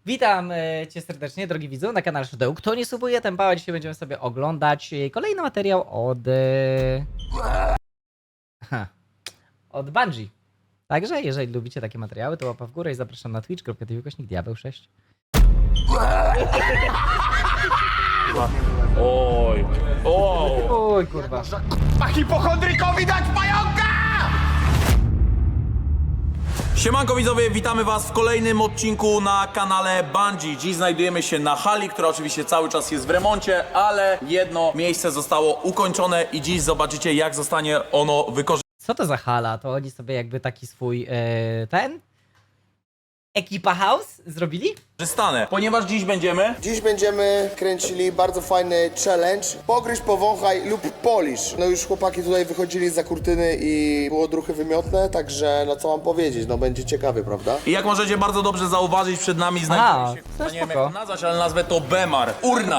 Witam cię serdecznie, drogi widzu, na kanale Szydeł. Kto nie subuje, ten pała. Dzisiaj będziemy sobie oglądać kolejny materiał od Bungie. Także, jeżeli lubicie takie materiały, to łapa w górę i zapraszam na twitch.tv/diabeł6. Oj, oj. Oj, kurwa. A hipochondrykowi dać pająka! Siemanko widzowie, witamy was w kolejnym odcinku na kanale Bungie. Dziś znajdujemy się na hali, która oczywiście cały czas jest w remoncie, ale jedno miejsce zostało ukończone i dziś zobaczycie, jak zostanie ono wykorzystane. Co to za hala? To oni sobie jakby taki swój, Ekipa House zrobili? Ponieważ Dziś będziemy kręcili bardzo fajny challenge. Pogryź, powąchaj lub polisz. No już chłopaki tutaj wychodzili za kurtyny i było druchy wymiotne, także no co mam powiedzieć, no będzie ciekawy, prawda? I jak możecie bardzo dobrze zauważyć, przed nami znajduje się, to nie wiem jak spoko. to nazwać, ale nazwę to Bemar.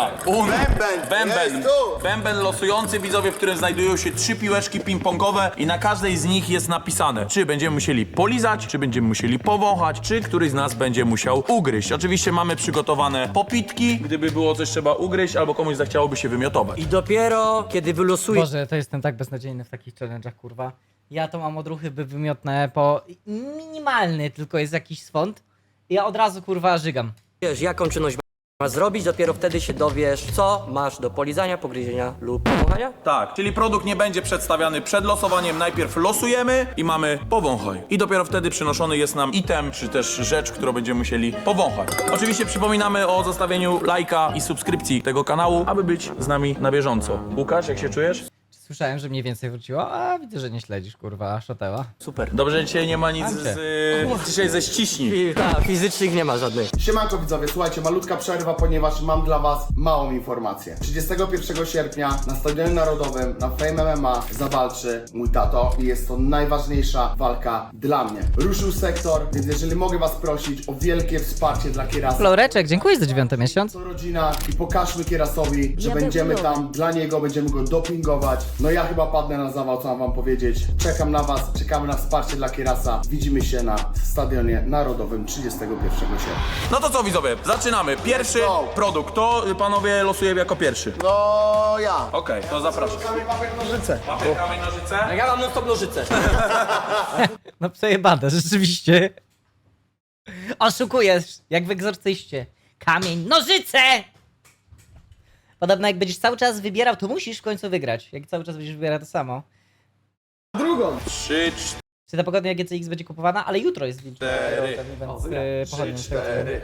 Bęben. Bęben losujący, widzowie, w którym znajdują się 3 piłeczki ping-pongowe i na każdej z nich jest napisane, czy będziemy musieli polizać, czy będziemy musieli powąchać, czy któryś z nas będzie musiał ugryźć. Oczywiście mamy przygotowane popitki, gdyby było coś trzeba ugryźć, albo komuś zachciałoby się wymiotować. I dopiero kiedy wylosujesz Boże, to jestem tak beznadziejny w takich challenge'ach, kurwa. Ja to mam odruchy wymiotne po minimalny, tylko jest jakiś swąd. I ja od razu, kurwa, żygam. jaką czynność masz zrobić, dopiero wtedy się dowiesz, co masz do polizania, pogryzienia lub powąchania. Tak, czyli produkt nie będzie przedstawiany przed losowaniem, najpierw losujemy i mamy powąchaj. I dopiero wtedy przynoszony jest nam item, czy też rzecz, którą będziemy musieli powąchać. Oczywiście przypominamy o zostawieniu lajka i subskrypcji tego kanału, aby być z nami na bieżąco. Łukasz, jak się czujesz? Słyszałem, że mniej więcej wróciło, a widzę, że nie śledzisz, kurwa, Szoteła. Super. Dobrze, że dzisiaj nie ma nic Andrzej. dzisiaj ze ściśni. Tak, fizycznych nie ma żadnych. Siemanko widzowie, słuchajcie, malutka przerwa, ponieważ mam dla was małą informację. 31 sierpnia na Stadionie Narodowym na Fame MMA zawalczy mój tato i jest to najważniejsza walka dla mnie. Ruszył sektor, więc jeżeli mogę was prosić o wielkie wsparcie dla Kierasa. Floreczek, dziękuję za 9 miesiąc. To rodzina i pokażmy Kierasowi, że będziemy tam dla niego, będziemy go dopingować. No ja chyba padnę na zawał, co mam wam powiedzieć. Czekam na was, czekamy na wsparcie dla Kierasa. Widzimy się na Stadionie Narodowym 31 sierpnia. No to co widzowie, zaczynamy. Pierwszy produkt, to panowie losujemy jako pierwszy. No ja. Okej, to zapraszam. Papier, nożyce. Papier, kamień, nożyce. Ja mam non-stop nożyce. No przejebane, rzeczywiście. Oszukujesz, jak w egzorcyście. Kamień, nożyce! Podobno jak będziesz cały czas wybierał, to musisz w końcu wygrać. Jak cały czas będziesz wybierał to samo. 3, Czy ta pogodnia GCX będzie kupowana? Ale jutro jest wilczy. 4. Pochodnie z tego co wiem.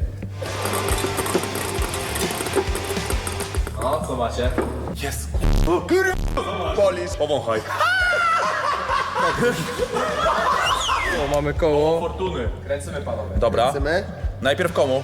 Powąchaj. O, mamy koło. Fortuny. Kręcimy panowie. Dobra. Chcemy? Najpierw komu?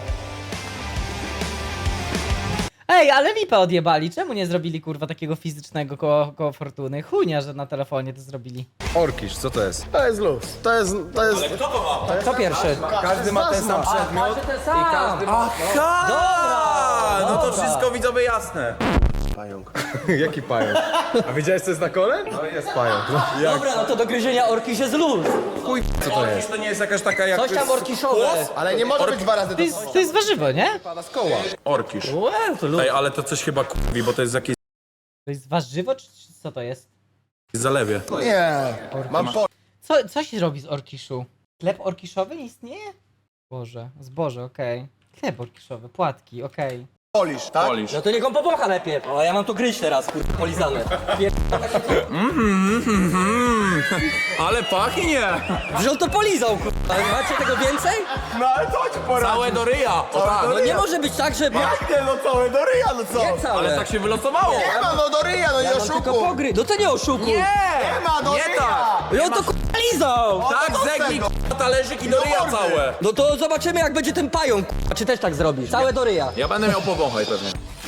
Ej, ale lipę odjebali. Czemu nie zrobili, kurwa, takiego fizycznego koło fortuny? Chujnia, że na telefonie to zrobili. Orkisz, co to jest? To jest luz. To jest... Kto to ma? Co pierwszy? Każdy ma ten sam przedmiot. Ten sam. Dobra! No to wszystko widzowie jasne. Pająk. Jaki pająk? A wiedziałeś co jest na kole? No jest pająk. No. Dobra, no to do gryzienia orkisz jest luz. Co to jest? To nie jest jakaś taka jak... Coś tam orkiszowe. Ale nie może być dwa razy To jest warzywo, nie? Pada z koła. Orkisz. Łe, to luz. Ej, ale to coś chyba kurwi, bo to jest jakieś To jest warzywo, czy co to jest? zalewie. Nie. Mam po... Co się robi z orkiszu? Chleb orkiszowy nie istnieje? Boże, zboże, okej. Chleb orkiszowy, płatki, okej. Polisz, tak? Polisz. No to niech on powącha najpierw. O, ja mam tu gryź teraz, kurwa, polizane. Ale pachnie! Że on to polizał, kurwa. Macie tego więcej? No ale co ci poradzi? Całe do ryja! O tak! No nie może być tak, że... Nie no całe do ryja, no co? Nie całe. Ale tak się wylosowało! Nie ma no do ryja, no nie Ja mam tylko oszukuj. pogry. No to nie oszukuj. Nie! Nie ma do Nie ryja. tak! I on to kurwa lizał. Tak, zegnij k***a talerzyk i do ryja mordy. całe! No to zobaczymy jak będzie ten pająk, kurwa. Czy też tak zrobisz? Całe do ryja. Ja będę miał powąchaj pewnie.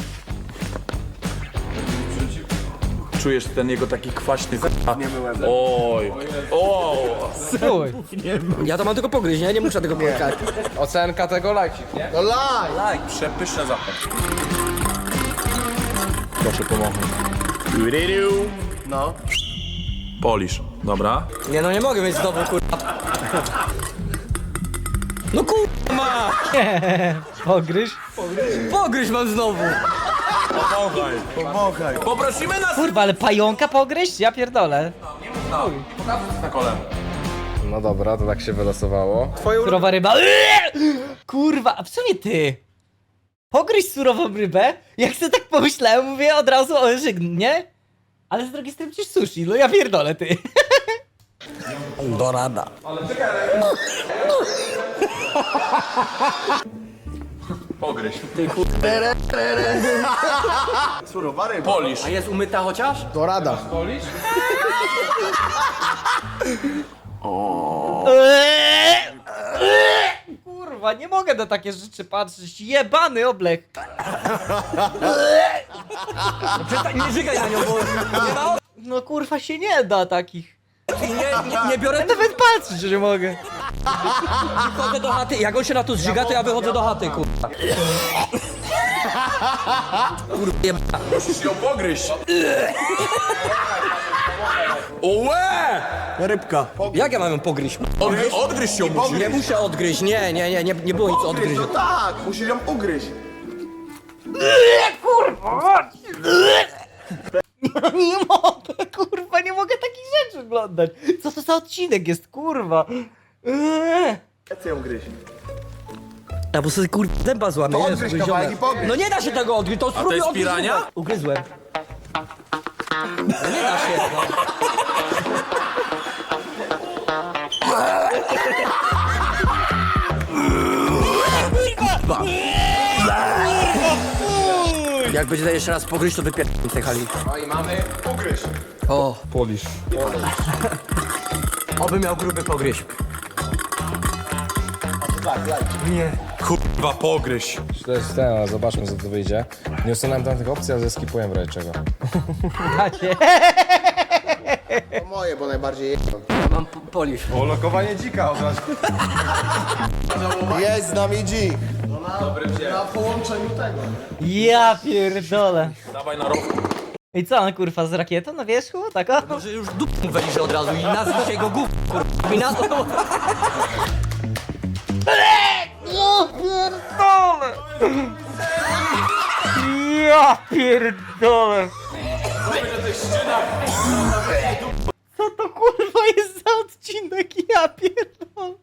Czujesz ten jego taki kwaśny k***a? Oj! O! Uj. Ja to mam tylko pogryźć, nie muszę tego pojechać. Ocenka tego lajcik. No laj. Przepyszne zapach. Proszę pomogę. No. Polisz. Dobra. Nie no nie mogę mieć znowu kurwa. No kurwa, ma! Pogryź. Pogryź mam znowu! Poprosimy nas... Kurwa, ale pająka pogryźć? Ja pierdolę. Pokażę na kole. No dobra, to tak się wylosowało. Surowa ryba. Kurwa, a w sumie ty. Pogryź surową rybę? Jak sobie tak pomyślałem, mówię od razu o żygn, nie? Ale z drugiej strony przecież sushi, no ja pierdolę ty. Dorada. Pogryź. Surowa ryba. Polisz. A jest umyta chociaż? Dorada. Kurwa, nie mogę na takie rzeczy patrzeć. Jebany oblech. Przestań, nie żygaj na nią, bo nie ma No kurwa się nie da takich. nie biorę, Ja nawet patrzeć, że nie mogę. wychodzę do chaty. Jak on się na to zżyga, to ja wychodzę do chaty, kurwa. Kurwa, jeba. Musisz ją pogryźć. Łe! Rybka. Jak ja mam ją pogryźć? Odgryź ją musisz. Nie muszę odgryźć, nie było nic odgryźć. No tak, musisz ją ugryźć. No nie mogę, kurwa, nie mogę takich rzeczy oglądać. Co to za odcinek jest, kurwa? Ja chcę ją gryźć. A bo sobie kurwa dęba złamie. To Jezu, odgryź gryzione. kawałek i pogryź. No nie da się tego odgryźć, to spróbuj jest odgryźć. pirania? Ugryzłem. No nie da się, no. Jak będzie jeszcze raz pogryźć, to wypierdolę z tej hali. No i mamy ugryźć. O, Polisz. oby miał gruby pogryź. Kurwa, pogryź. To jest ten, ale zobaczmy, co tu wyjdzie. Nie usunąłem tam tych opcji, ale zeskipuję w razie czego. Macie. To moje, bo najbardziej je... Mam polisz. O, lokowanie dzika od razu. Jest z nami G. Na połączeniu tego. Ja pierdolę. Dawaj na rowku. I co on kurwa z rakietą na wierzchu? Tak o? Może już dupą weliże od razu i nazwij się go gów, kurwa. I nazwą... Ja pierdolę! Ja pierdolę! Co to kurwa jest za odcinek? Ja pierdolę!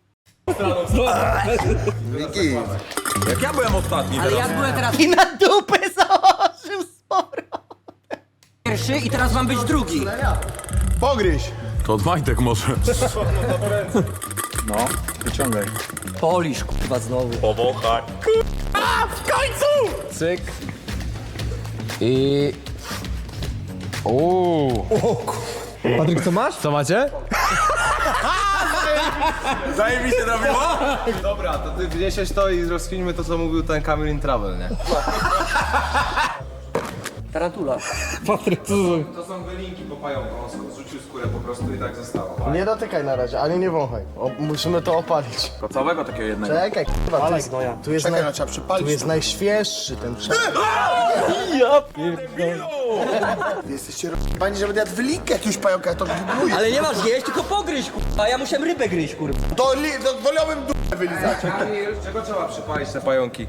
Wiki. Jak ja byłem ostatni Ale teraz. ja byłem teraz I na dupę założył sporo! pierwszy i teraz mam być drugi. Pogryź. To od Majtek może. No, wyciągaj. Polisz, kurwa, znowu. Powąchaj. Cyk. I... Uuu. Patryk, co masz? Co macie? Zajebiście robiło? Dobra, to ty wniesiesz to i rozkwinimy to, co mówił ten Kamil in Travel, nie? Tarantula. To są wylinki po pająku, on zrzucił skórę po prostu i tak zostało. Nie dotykaj na razie, ani nie wąchaj. Musimy to opalić. Całego takiego jednego. Czekaj, kurwa, tu jest, Czekaj, no trzeba przypalić. tu jest najświeższy ten przepis. Ja pierdolę! Wy jesteście r***ani, że będę jadł wylinkę jakiegoś pająka, ja to próbuję. Ale nie masz jeść, tylko pogryź, kurwa. Ja musiałem rybę gryźć, kurwa. To wolałbym d***ę wylizać. Czego trzeba przypalić te pająki?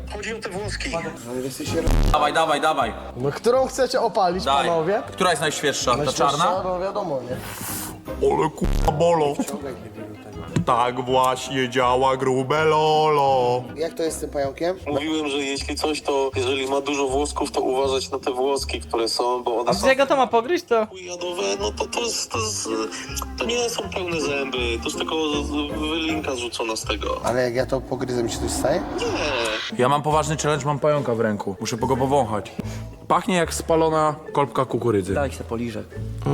Dawaj, dawaj, dawaj. No, którą chcecie opalić, Daj. panowie? Która jest najświeższa? Ta Najświeższa? czarna? No wiadomo, nie? Ole kurwa bolo. Tak właśnie działa grube lolo. Jak to jest z tym pająkiem? Mówiłem, że jeśli coś, to jeżeli ma dużo włosków, to uważać na te włoski, które są, bo A one z są czego to ma pogryźć to? jadowe, no to nie są pełne zęby, to jest tylko wylinka zrzucona z tego. Ale jak ja to pogryzę, mi się coś staje? Ja mam poważny challenge, mam pająka w ręku. Muszę go powąchać. Pachnie jak spalona kolbka kukurydzy. Daj się poliżę.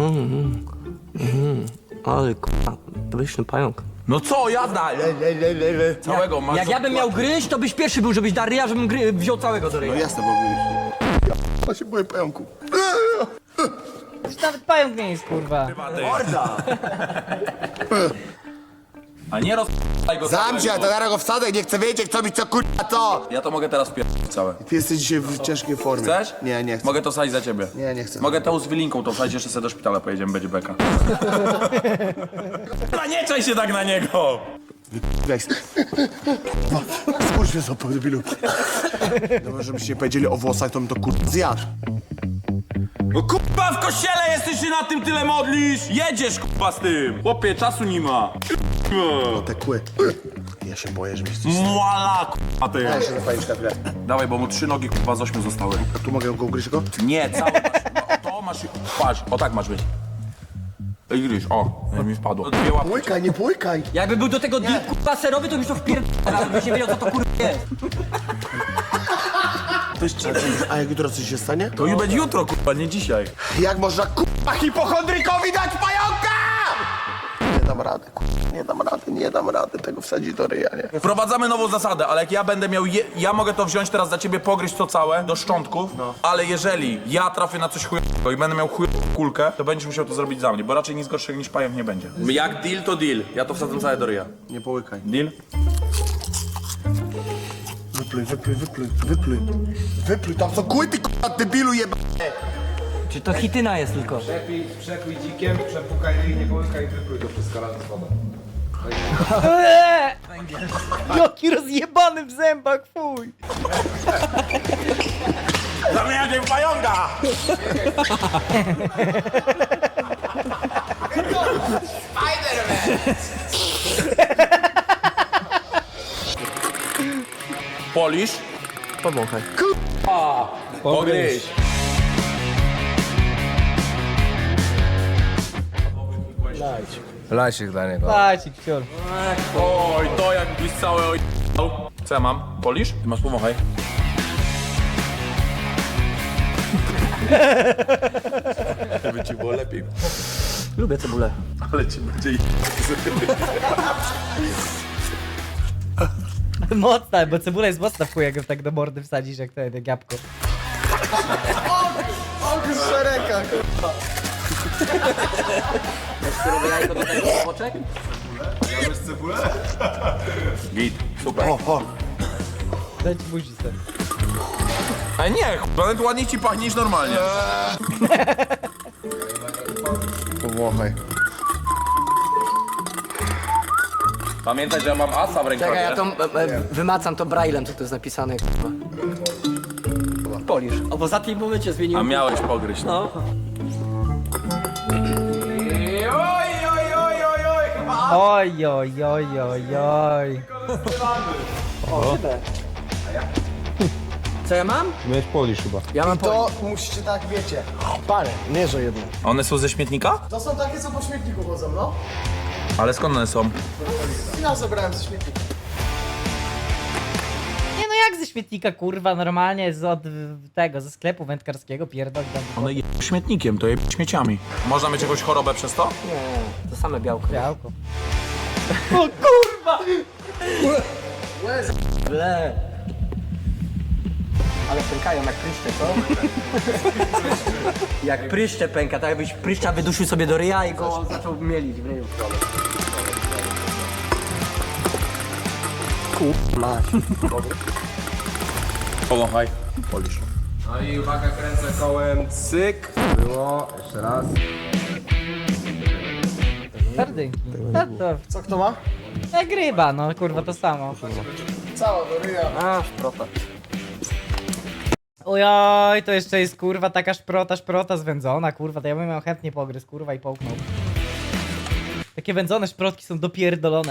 Ale kurwa, pyszny pająk. No co, jazda! Całego masz. Jak ja bym miał gryźć, to byś pierwszy był, żebyś dał ryja, żebym wziął całego do ryja. No jasne, bo ja się boję pająku. Już nawet pająk nie jest kurwa. A nie rozpalaj go Zamknij, całego. to zaraz go wsadzę, nie chcę wiedzieć, kto mi co kurwa co. Ja to mogę teraz pierdolić całe. Ty jesteś dzisiaj w ciężkiej formie. Chcesz? Nie, nie chcę. Mogę to wsadzić za ciebie. Nie, nie chcę. Mogę to z wylinką to wsadzić, jeszcze sobie do szpitala pojedziemy, będzie beka. A nie czaj się tak na niego! Weź. Skurcz mnie za debilu. Dobra, żebyście nie powiedzieli o włosach, to bym to zjadł. No kurwa, w kościele jesteś, się na tym tyle modlisz! Jedziesz kurwa z tym! Chłopie, czasu nie ma. Te kły. Ja się boję, że mi coś... Muala kurwa ty. Ja się zapalić na chwilę. Dawaj, bo mu 3 nogi kurwa z 8 zostały. A tu mogę go ugryźć go? Nie, cały masz. No, to masz. Patrz, o tak masz być. I gryź, o, mi wpadło. 2 łapki. Płykaj, nie płykaj. Jakby był do tego deal kurwa serowy, to byś to wpierdolał, byś nie wiedział co to kurwa jest. A jak jutro coś się stanie? To już będzie jutro kurwa, nie dzisiaj. Jak można kurwa hipochondrykowi dać pająka? Nie dam rady, kurwa, nie dam rady tego wsadzić do ryja, nie? Wprowadzamy nową zasadę, ale jak ja będę miał, ja mogę to wziąć teraz za ciebie, pogryźć to całe do szczątków, ale jeżeli ja trafię na coś chujowego i będę miał chujową kulkę, to będziesz musiał to zrobić za mnie, bo raczej nic gorszego niż pająk nie będzie. Jak deal to deal, ja to wsadzam całe do ryja. Nie połykaj. Deal? Wypluj, tam są kły, ty kurwa debilu jeba. Czy to chityna jest tylko? Przekój dzikiem, przepukaj ryj, nie połykaj i wypluj to wszystko razem z wodą. Jaki rozjebany w zębach, fuj! Zamieniam cię w pająka! Polisz? Powąchaj. Pogryź! Lasik dla niego. Dajcie, kcior. Oj, to jakbyś całe oj... Co ja mam? Polisz? Ty masz powąchaj. Żeby ci było lepiej. Lubię cebulę. Ale ci będzie... Mocna, bo cebula jest mocna w chuj, jak ją tak do mordy wsadzisz, jak to jak jabłko. Surowe jajko do tego boczek? Git, super. Dajcie buzi sobie. Ale nie, nawet ładniej ci pachnie niż normalnie. Powąchaj. Pamiętaj, że ja mam asa w rękawie. Czekaj, ja to wymacam to braillem, co tu jest napisane. kurwa. Polisz. O, bo za tym momencie zmienił. A miałeś pogryźć. No. Oj, oj, oj, oj, oj. Co ja mam? Miałeś polisz chyba. Ja mam To musicie tak, wiecie, parę, nie że jedno. One są ze śmietnika? To są takie, co po śmietniku chodzą, no. Ale skąd one są? Ja zabrałem ze śmietnika. Nie no jak ze śmietnika, kurwa, normalnie ze sklepu wędkarskiego pierdol tam. One je śmietnikiem, to je śmieciami. Można mieć jakąś chorobę przez to? Nie, to same białko. Białko. O kurwa! Ble. Ale pękają jak pryszcze, co? Jak pryszcze pęka, tak jakbyś pryszcza wydusił sobie do ryja i go zaczął mielić w ryju. Powąchaj. Polisz. No i uwaga, kręcę kołem, cyk. Było, jeszcze raz. Sardynki. No to Co kto ma? jak ryba, no kurwa to samo. Cała do ryja. A, szprota. Ojoj, to jeszcze jest kurwa taka szprota zwędzona, kurwa, to ja bym miał chętnie pogryz, kurwa i połknął. Takie wędzone szprotki są dopierdolone.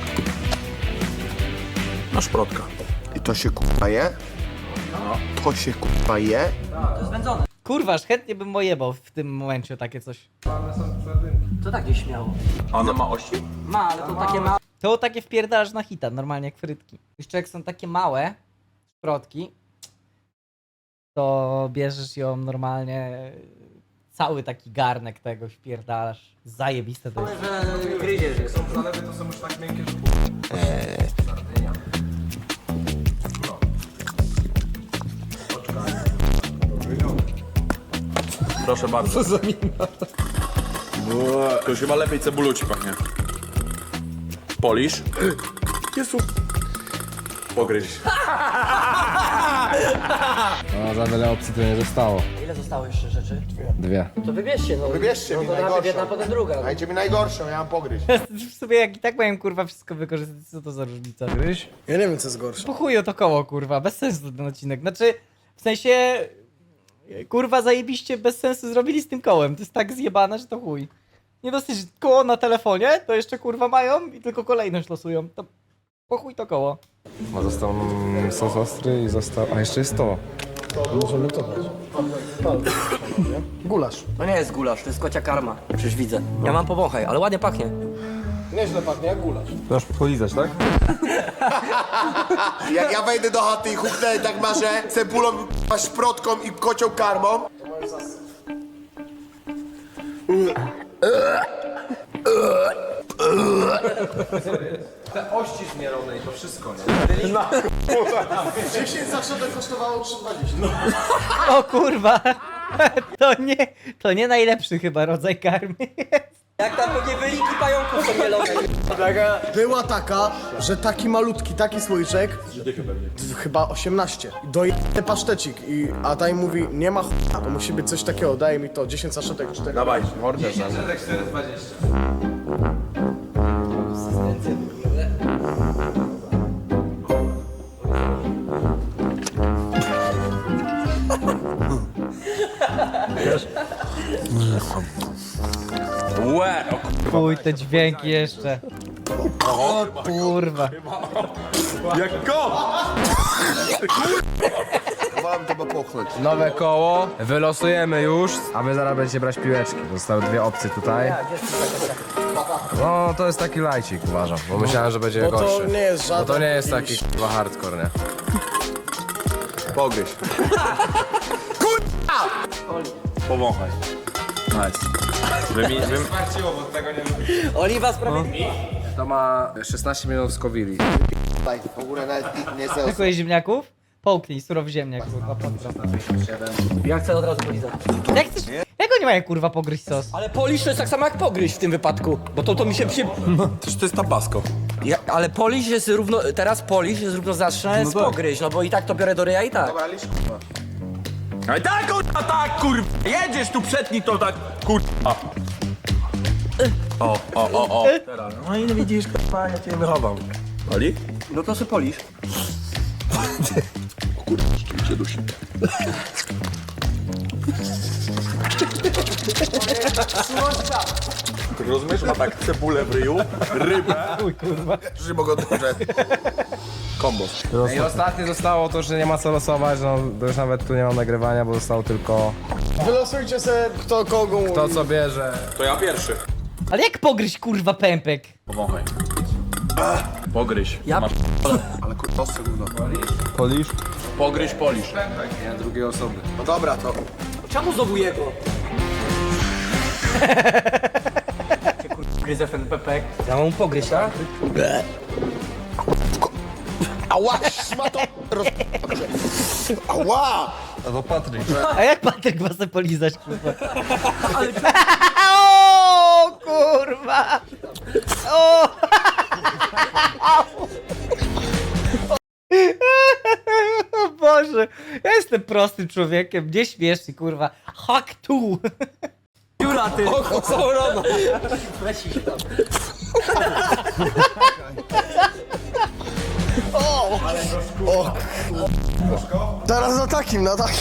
No szprotka. I to się kurwa je? To się kurwa je? To jest wędzone. Kurwa, aż chętnie bym ojebał w tym momencie takie coś. To tak gdzieś śmiało. A ona ma ości? Ma, ale to takie ma... To takie wpierdalasz na hita, normalnie jak frytki. Jeszcze jak są takie małe szprotki, to bierzesz ją normalnie, cały taki garnek tego wpierdalasz. Zajebiste to jest. Że gryziesz jest. Zalewy to są już tak miękkie, że... Proszę bardzo. Co za mina? To już chyba lepiej cebulą ci pachnie. Polisz. Jezu. Pogryź. za wiele opcji tu nie zostało. Ile zostało jeszcze rzeczy? 2. To wybierzcie, no. Wybierzcie no mi to najpierw najgorszą. jedna, potem druga. Dajcie mi najgorszą, ja mam pogryźć. W sumie jak i tak miałem kurwa wszystko wykorzystać, co to za różnica? Gryź? Ja nie wiem co jest gorsze. Po chuju to koło kurwa, bez sensu ten odcinek. Znaczy, w sensie, kurwa zajebiście bez sensu zrobili z tym kołem. To jest tak zjebane, że to chuj. Nie dosyć koło na telefonie, to jeszcze kurwa mają i tylko kolejność losują. To po chuj to koło. Bo został sos ostry i został... A jeszcze jest to. Możemy to dać. Gulasz. To nie jest gulasz, to jest kocia karma. Przecież widzę. Ja mam powąchaj, ale ładnie pachnie. Nieźle pachnie jak gulasz. Masz polizać, tak? Jak ja wejdę do chaty i huknę tak marzę cebulą, szprotką i kocią karmą. Te ości zmielone i to wszystko, nie? 10 zaszotek kosztowało 3,20. O kurwa! To nie najlepszy chyba rodzaj karmy. Jak tam pewnie wylinki pająków są mielone. Była taka, że taki malutki, taki słoiczek, chyba 18. Dojebany pasztecik. A ta im mówi, nie ma ch**a, to musi być coś takiego, daj mi to, 10 saszetek 4. Dawaj, mordę. 4,20. Łe, o Chuj, te dźwięki jeszcze. O kurwa. jak go! Mam to popchnąć. Nowe koło. Wylosujemy już, a wy zaraz będziecie brać piłeczki. Zostały 2 opcje tutaj. No, to jest taki lajcik, uważam, bo myślałem, że będzie Bo to gorszy. nie jest Bo żaden... to nie jest taki chyba hardcore, nie? Pogryź. Powąchaj. Nice. Oliwa sprawiedliwa. To ma 16 milionów skowili. Daj, w ogóle nawet nie sensu. Dziękuję ziemniaków? Połknij, surowy ziemniak, kurwa, pozdro. Ja chcę od razu polizać. Jak chcesz, jak oni mają kurwa pogryźć sos? Ale polisz to jest tak samo jak pogryź w tym wypadku. Bo to mi się... Przecież to jest tabasco. ale polisz jest równo... Teraz polisz jest równoznaczne z pogryź, no bo i tak to biorę do ryja i tak. Ale tak, kurwa, tak, kurwa! Jedziesz tu, przetnij to tak, kurwa! O. Teraz. No i widzisz, kurwa, ja cię wychowam. Oli? No to sobie polisz. Rozumiesz, ma tak cebulę w ryju, rybę, Chuj, kurwa. Że mogę dobrze. kombos. I ostatnie zostało to, że nie ma co losować, no to już nawet tu nie mam nagrywania, bo zostało tylko Wylosujcie se kto kogo mówi. to, co bierze. To ja pierwszy. Ale jak pogryźć kurwa pępek? Powąchaj. Pogryź. Ja Masz Ale kurwa, gówno. Polisz? pogryź, polisz. Nie, drugiej osoby. No dobra, to... Czemu znowu jego? Gryzę ten pepek. Ja mam mu pogryźć, tak? Ała, szmato! Ała! A jak Patryk ma se polizać kurwa? O kurwa! O! O Boże, ja jestem prostym człowiekiem, nie śmieszny kurwa. Hack tu! Dziura ty! Oko Saurona! Teraz na takim.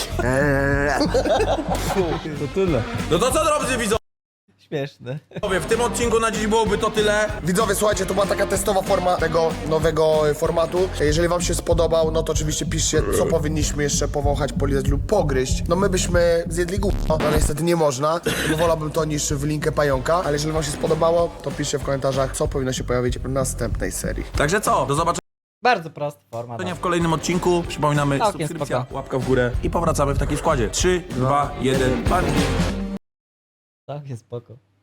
No to co, drodzy widzowie? Śmieszne. W tym odcinku na dziś byłoby to tyle. Widzowie, słuchajcie, to była taka testowa forma tego nowego formatu. Jeżeli wam się spodobał, no to oczywiście piszcie, co powinniśmy jeszcze powąchać, polizać lub pogryźć. No my byśmy zjedli gówno, no niestety nie można, bo wolałbym to niż w linkę pająka. Ale jeżeli wam się spodobało, to piszcie w komentarzach, co powinno się pojawić w następnej serii. Także co, do zobaczenia Bardzo prosty format. w kolejnym odcinku. Przypominamy, Całkiem subskrypcja, spoko. łapka w górę i powracamy w takim składzie. 3, 2, 1, pan. Tak, jest spoko.